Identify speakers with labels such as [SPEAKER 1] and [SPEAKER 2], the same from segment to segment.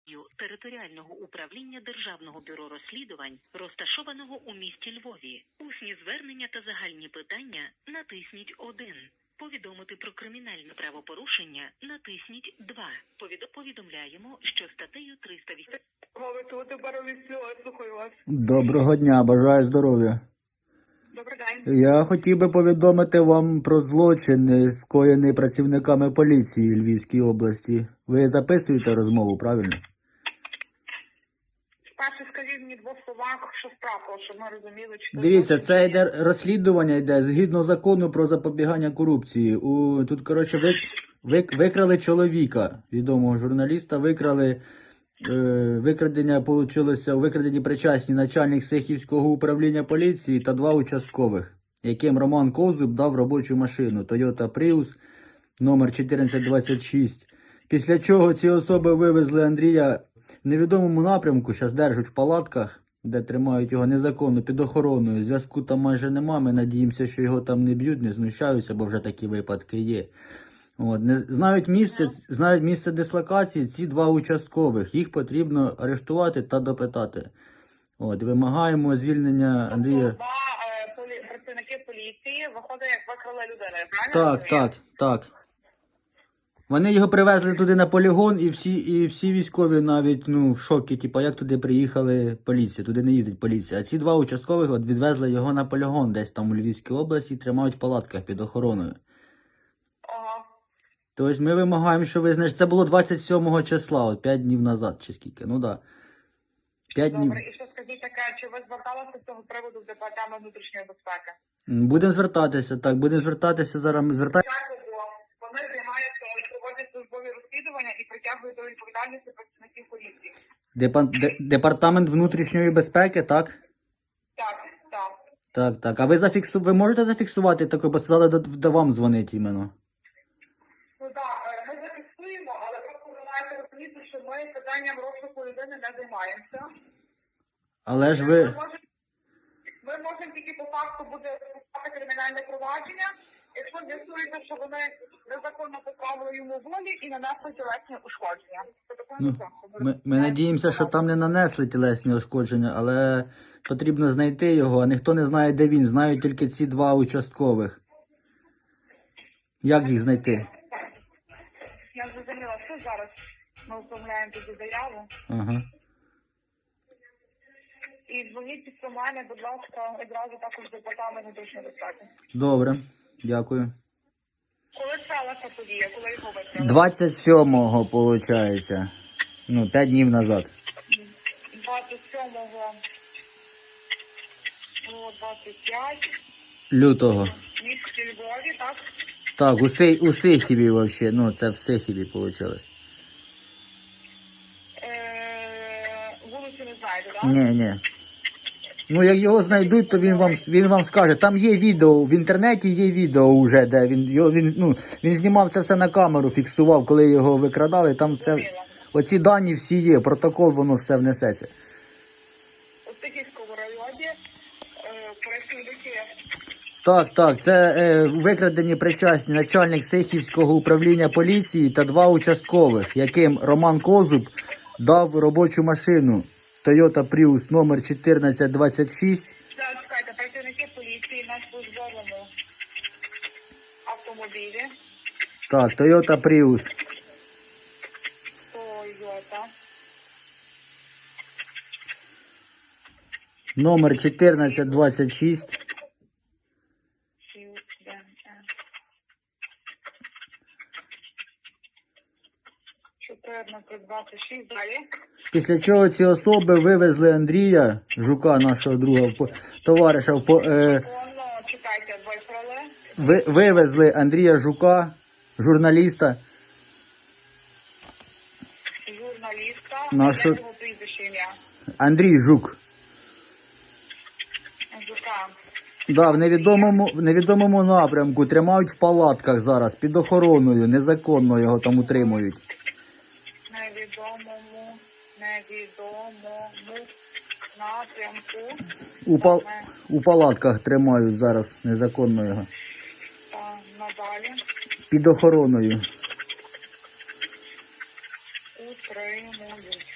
[SPEAKER 1] територіального управління Державного бюро розслідувань, розташованого у місті Львові. Усні звернення та загальні питання натисніть 1. Повідомити про кримінальне правопорушення натисніть 2. Повідомляємо, що статтею 308...
[SPEAKER 2] Слухаю вас.
[SPEAKER 3] Доброго дня, бажаю здоров'я.
[SPEAKER 2] Добрий день.
[SPEAKER 3] Я хотів би повідомити вам про злочин, скоєний працівниками поліції Львівської області. Ви записуєте розмову, правильно?
[SPEAKER 2] Спершу скажіть мені в двох словах, що справа, щоб ми розуміли, чи...
[SPEAKER 3] Дивіться, це йде розслідування, йде згідно закону про запобігання корупції. Тут, коротше, викрали чоловіка, відомого журналіста, викрадення получилося, у викраденні причасні начальник Сихівського управління поліції та 2 участкових, яким Роман Козуб дав робочу машину Toyota Prius номер 1426. Після чого ці особи вивезли Андрія в невідомому напрямку, зараз держать в палатках, де тримають його незаконно під охороною. Зв'язку там майже нема, ми надіємося, що його там не б'ють, не знущаються, бо вже такі випадки є. Знають місце дислокації ці 2 участкових. Їх потрібно арештувати та допитати. Вимагаємо звільнення Андрія.
[SPEAKER 2] Тобто 2 працівники поліції виходить, як викрали людину, правильно?
[SPEAKER 3] Так. Вони його привезли туди на полігон, і всі військові навіть в шокі, як туди приїхали поліція, туди не їздить поліція. А ці 2 участкових відвезли його на полігон, десь там у Львівській області, тримають в палатках під охороною.
[SPEAKER 2] Ага.
[SPEAKER 3] Тобто ми вимагаємо, що ви знаєте, це було 27 числа, 5 днів назад чи скільки, 5 днів.
[SPEAKER 2] Добре, і що скажіть таке, чи ви зверталися з цього приводу в департамент внутрішньої безпеки?
[SPEAKER 3] Будемо звертатися, зараз ми звертаємося.
[SPEAKER 2] Вони займаються, проводять службові розслідування і притягують до відповідальності працівників поліції.
[SPEAKER 3] Департамент внутрішньої безпеки, так?
[SPEAKER 2] Так.
[SPEAKER 3] А ви можете зафіксувати таке, бо сказали, до вам дзвонить іменно?
[SPEAKER 2] Ми зафіксуємо, але просто ви маєте розуміти, що ми питанням розшуку людини не займаємося.
[SPEAKER 3] Але ж ви...
[SPEAKER 2] Ми можемо тільки по факту буде розпочати кримінальне провадження, якщо з'ясується, що вони незаконно позбавили йому волі і нанесли тілесні ушкодження.
[SPEAKER 3] Ми надіємося, що там не нанесли тілесні ушкодження, але потрібно знайти його, а ніхто не знає, де він. Знають тільки ці 2 участкових. Як їх знайти?
[SPEAKER 2] Я зрозуміла, що зараз ми оформляємо тоді заяву.
[SPEAKER 3] Ага.
[SPEAKER 2] І дзвоніть після мене, будь ласка, одразу також до департаменту внутрішньої безпеки.
[SPEAKER 3] Добре, дякую.
[SPEAKER 2] Коли сталася подія, коли його викрали?
[SPEAKER 3] 27-го, виходить. 5 днів назад.
[SPEAKER 2] 27-го, 25
[SPEAKER 3] лютого.
[SPEAKER 2] В місті Львові, так?
[SPEAKER 3] Так, у Сихіві взагалі, це в Сихіві вийшло.
[SPEAKER 2] Вулицю не знаєте, так?
[SPEAKER 3] Ні. Як його знайдуть, то він вам скаже. Там є відео, в інтернеті є відео вже, де він знімав це все на камеру, фіксував, коли його викрадали. Там оці дані всі є, протокол, воно все внесеться.
[SPEAKER 2] У Сихівському районі працівники.
[SPEAKER 3] Так, це викрадені причасні начальник Сихівського управління поліції та 2 участкових, яким Роман Козуб дав робочу машину Toyota Prius номер 1426.
[SPEAKER 2] Чекайте, працівники поліції на службовому автомобілі.
[SPEAKER 3] Так, Toyota Prius.
[SPEAKER 2] Toyota.
[SPEAKER 3] Номер 1426.
[SPEAKER 2] 1426, далі.
[SPEAKER 3] Після чого ці особи вивезли Андрія Жука, нашого друга, товариша.
[SPEAKER 2] Чекайте, викрали.
[SPEAKER 3] Вивезли Андрія Жука, журналіста.
[SPEAKER 2] Нашого прізвище ім'я.
[SPEAKER 3] Андрій Жук.
[SPEAKER 2] Жука.
[SPEAKER 3] Да, в невідомому напрямку тримають в палатках зараз, під охороною, незаконно його там утримують.
[SPEAKER 2] Невідомому напрямку.
[SPEAKER 3] У палатках тримають зараз незаконно його.
[SPEAKER 2] Надалі.
[SPEAKER 3] Під охороною.
[SPEAKER 2] У утримують.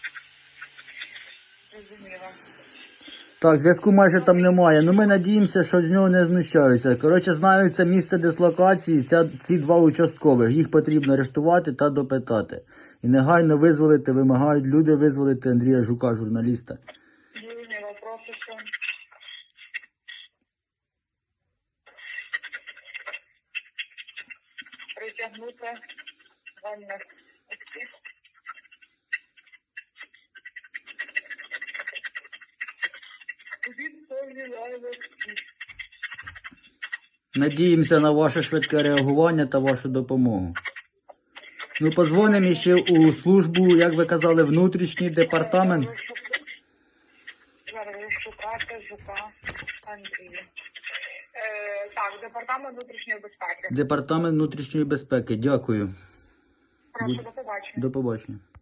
[SPEAKER 2] Зрозуміло.
[SPEAKER 3] Так, зв'язку майже там немає. Ну ми надіємося, що з нього не знущаються. Коротше, знаю це місце дислокації, ці два участкових. Їх потрібно арештувати та допитати. І негайно визволити, вимагають люди визволити Андрія Жука, журналіста.
[SPEAKER 2] Зрозуміло, проситься. Притягнути вольних осіб. Відповідальності.
[SPEAKER 3] Надіємося на ваше швидке реагування та вашу допомогу. Ну, подзвонимо ще у службу, як ви казали, внутрішній департамент.
[SPEAKER 2] Зараз шукати Жука Андрія. Так, департамент внутрішньої безпеки.
[SPEAKER 3] Департамент внутрішньої безпеки. Дякую.
[SPEAKER 2] Прошу, до побачення.
[SPEAKER 3] До побачення.